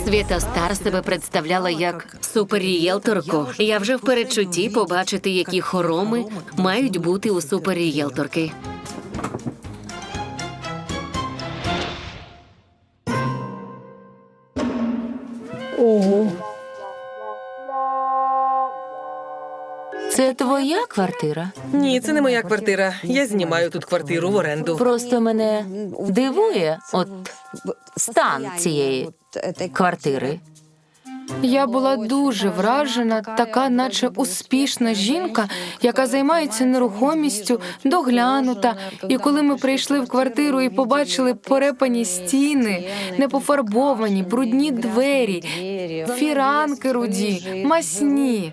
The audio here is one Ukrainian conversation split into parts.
Свята Стар себе представляла як суперрієлторку. Я вже в передчутті побачити, які хороми мають бути у суперрієлторки. Ого. Це твоя квартира? Ні, це не моя квартира. Я знімаю тут квартиру в оренду. Просто мене дивує стан цієї квартири. Я була дуже вражена, така наче успішна жінка, яка займається нерухомістю, доглянута. І коли ми прийшли в квартиру і побачили порепані стіни, непофарбовані, брудні двері, фіранки руді, масні.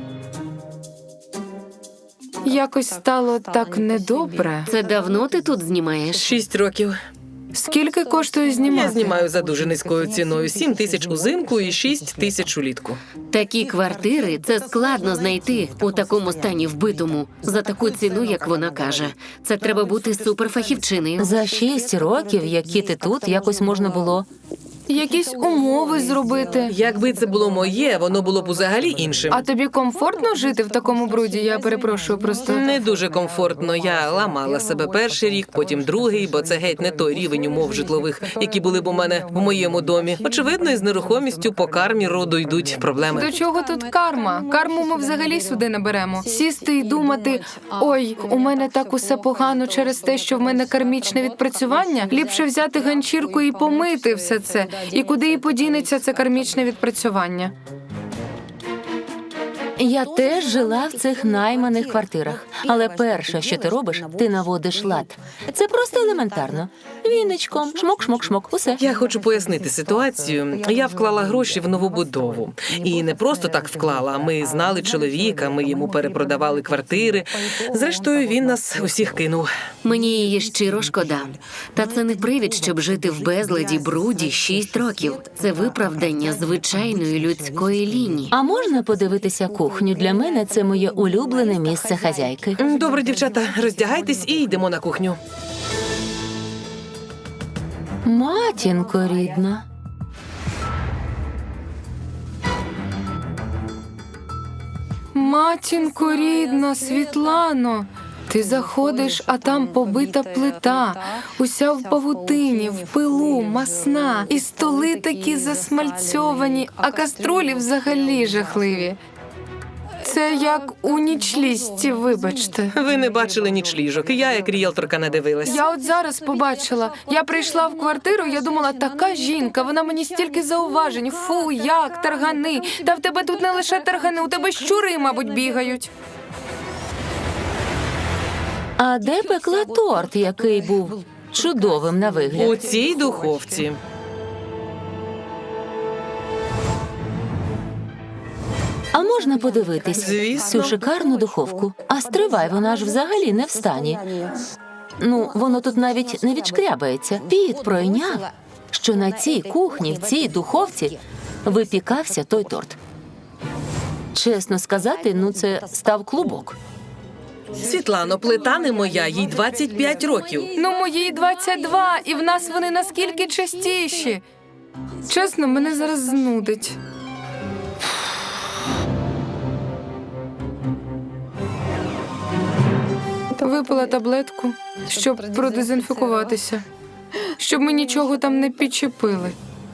Якось стало так недобре. Це давно ти тут знімаєш? 6 років. Скільки коштує знімати? Я знімаю за дуже низькою ціною. 7 тисяч узимку і 6 тисяч улітку. Такі квартири – це складно знайти у такому стані вбитому за таку ціну, як вона каже. Це треба бути суперфахівчиною. За 6 років, які ти тут, якось можна було. Якісь умови зробити. Якби це було моє, воно було б взагалі іншим. А тобі комфортно жити в такому бруді? Я перепрошую просто. Не дуже комфортно. Я ламала себе перший рік, потім другий, бо це геть не той рівень умов житлових, які були б у мене в моєму домі. Очевидно, із нерухомістю по кармі роду йдуть проблеми. До чого тут карма? Карму ми взагалі сюди не беремо. Сісти і думати, ой, у мене так усе погано через те, що в мене кармічне відпрацювання. Ліпше взяти ганчірку і помити все це. І куди і подінеться це кармічне відпрацювання? Я теж жила в цих найманих квартирах. Але перше, що ти робиш, ти наводиш лад. Це просто елементарно. Віничком, шмок-шмок-шмок, усе. Я хочу пояснити ситуацію. Я вклала гроші в новобудову. І не просто так вклала. Ми знали чоловіка, ми йому перепродавали квартири. Зрештою, він нас усіх кинув. Мені її щиро шкода. Та це не привід, щоб жити в безладі, бруді 6 років. Це виправдання звичайної людської лінії. А можна подивитися кухню? Для мене це моє улюблене місце хазяйки. Добре, дівчата, роздягайтесь і йдемо на кухню. Матінко рідна. Матінко рідна, Світлано, ти заходиш, а там побита плита, уся в павутині, в пилу, масна, і столи такі засмальцьовані, а каструлі взагалі жахливі. Це як у нічлісті, вибачте. Ви не бачили нічліжок, і я, як ріелторка, не дивилась. Я от зараз побачила. Я прийшла в квартиру, я думала, така жінка, вона мені стільки зауважень. Фу, як, таргани. Та в тебе тут не лише таргани, у тебе щури, мабуть, бігають. А де пекла торт, який був чудовим на вигляд? У цій духовці. А можна подивитись Звісно. цю шикарну духовку? А стривай, вона ж взагалі не в стані. Ну, воно тут навіть не відшкрябається. Піт пройняв, що на цій кухні, в цій духовці випікався той торт. Чесно сказати, ну це став клубок. Світлано, плита не моя, їй 25 років. Ну, моїй 22, і в нас вони наскільки частіші. Чесно, мене зараз знудить. Випила таблетку, щоб продезінфікуватися, щоб ми нічого там не підчепили.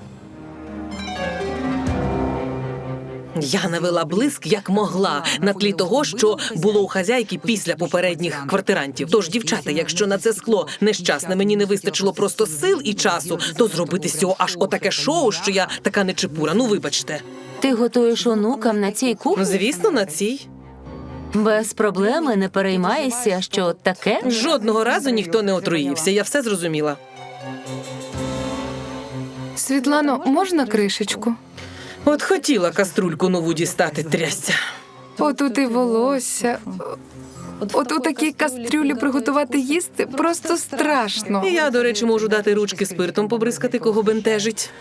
Я навела блиск, як могла, на тлі того, що було у хазяйки після попередніх квартирантів. Тож, дівчата, якщо на це скло нещасне мені не вистачило просто сил і часу, то зробити з цього аж отаке шоу, що я така нечепура. Ну, вибачте. Ти готуєш онукам на цій кухні? Звісно, на цій. Без проблеми, не переймаєшся, що таке? Жодного разу ніхто не отруївся, я все зрозуміла. Світлано, можна кришечку? От хотіла каструльку нову дістати, трясця. Отут і волосся. От у такій кастрюлі приготувати їсти просто страшно. І я, до речі, можу дати ручки спиртом побризкати, кого бентежить.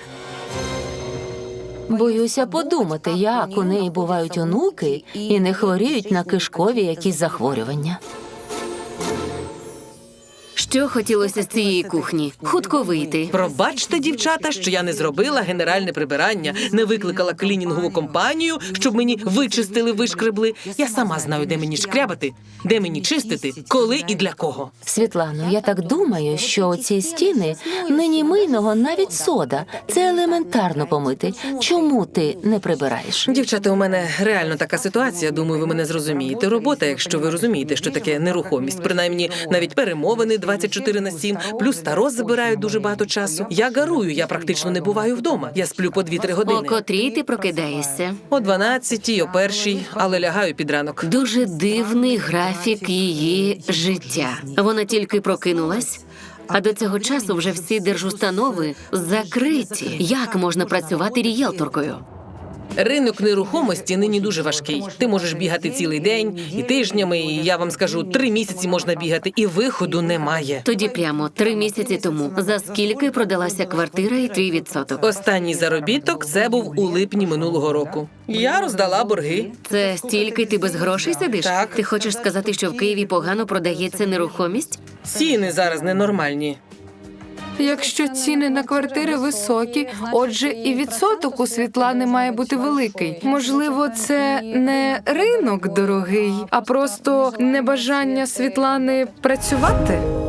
Боюся подумати, як у неї бувають онуки і не хворіють на кишкові якісь захворювання. Що хотілося з цієї кухні? Хутко вийти. Пробачте, дівчата, що я не зробила генеральне прибирання, не викликала клінінгову компанію, щоб мені вичистили, вишкребли. Я сама знаю, де мені шкрябати, де мені чистити, коли і для кого. Світлано, я так думаю, що ці стіни нині мийного навіть сода. Це елементарно помити. Чому ти не прибираєш? Дівчата, у мене реально така ситуація, думаю, ви мене зрозумієте. Робота, якщо ви розумієте, що таке нерухомість, принаймні навіть перемовини 24/7, плюс таро забирають дуже багато часу. Я гарую, я практично не буваю вдома. Я сплю по 2-3 О години. котрій ти прокидаєшся? О 12-й, о 1-й, але лягаю під ранок. Дуже дивний графік її життя. Вона тільки прокинулась, а до цього часу вже всі держустанови закриті. Як можна працювати рієлторкою? Ринок нерухомості нині дуже важкий. Ти можеш бігати цілий день і тижнями, і я вам скажу, 3 місяці можна бігати, і виходу немає. Тоді прямо 3 місяці тому. За скільки продалася квартира і твій відсоток? Останній заробіток це був у липні минулого року. Я роздала борги. Це стільки ти без грошей сидиш? Так. Ти хочеш сказати, що в Києві погано продається нерухомість? Ціни зараз ненормальні. Якщо ціни на квартири високі, отже, і відсоток у Світлани має бути великий. Можливо, це не ринок дорогий, а просто небажання Світлани працювати?